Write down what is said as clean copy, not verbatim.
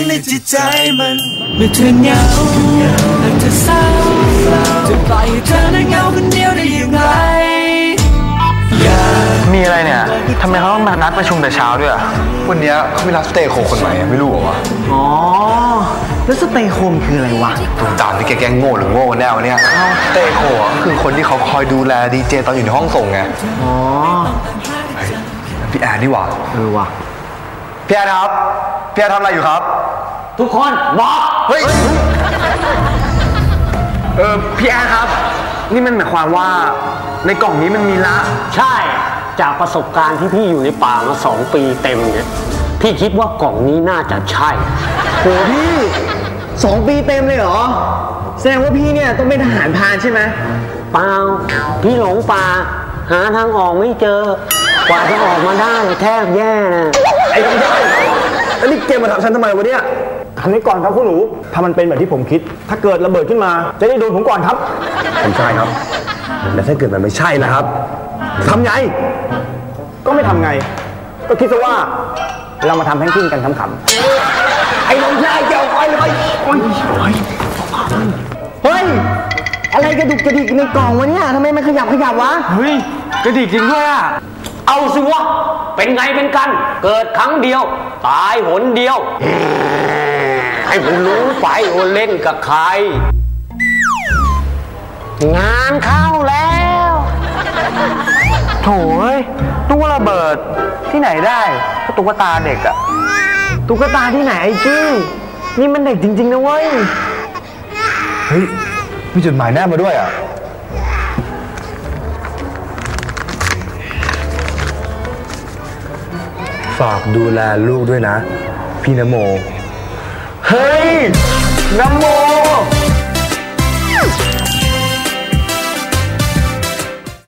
ในจิตใจมันเมื่อเธอเหงาและเธอเศร้าจะปล่อยให้เธอนั้นเหงาคนเดียวได้อย่างไรมีอะไรเนี่ยทำไมเขาต้องมานัดประชุมแต่เช้าด้วยวันนี้เขาไม่รับสเตย์โคคนใหม่ไม่รู้เหรอวะอ๋อแล้วสเตย์โคมคืออะไรวะตุ่มตามที่แกโง่หรือโง่กันแน่วะเนี่ยสเตย์โคคือคนที่เขาคอยดูแลดีเจตอนอยู่ในห้องส่งไงอ๋อพี่แอนนี่หว่าว่ะพี่แอนครับพี่แอนทำอะไรอยู่ครับทุกคนบอกเฮ้ยพี่แอนครับนี่มันหมายความว่าในกล่องนี้มันมีละใช่จากประสบการณ์ที่พี่อยู่ในป่ามา2 ปีเต็มเนี่ยพี่คิดว่ากล่องนี้น่าจะใช่โหพี่2 ปีเต็มเลยเหรอแสดงว่าพี่เนี่ยต้องเป็นทหารพรานใช่ไหมเปล่าพี่หลงป่าหาทางออกไม่เจอกว่าจะออกมาได้แทบแย่นะไอ้ไม่ใช่แล้วนี่เกมมาทำฉันทำไมวะเนี่ยทำนี้ก่อนครับคุณหนูถ้ามันเป็นแบบที่ผมคิดถ้าเกิดระเบิดขึ้นมาจะได้โดนผมก่อนครับผมใช่ครับแต่ถ้าเกิดมันไม่ใช่นะครับทำไงก็ไม่ทำไงก็คิดซะว่าเรามาทำแพนกวินกันขำๆไอ้น้องชายเจ้าไปเลยเฮ้ยอะไรกระดุกกระดิกในกล่องวะเนี่ยทำไมมันขยับวะเฮ้ยกระดิกจริงด้วยอ่ะเอาสิวะเป็นไงเป็นกันเกิดครั้งเดียวตายหนเดียวให้ผมรู้ไปว่าเล่นกับใครงานเข้าแล้วโถ่เอ้ยตู้ระเบิดที่ไหนได้ก็ตุ๊กตาเด็กอะตุ๊กตาที่ไหนไอ้กี้นี่มันเด็กจริงๆนะเว้ยเฮ้ยมีจดหมายแนบมาด้วยอะฝากดูแลลูกด้วยนะพี่นโมเฮ้ยนโม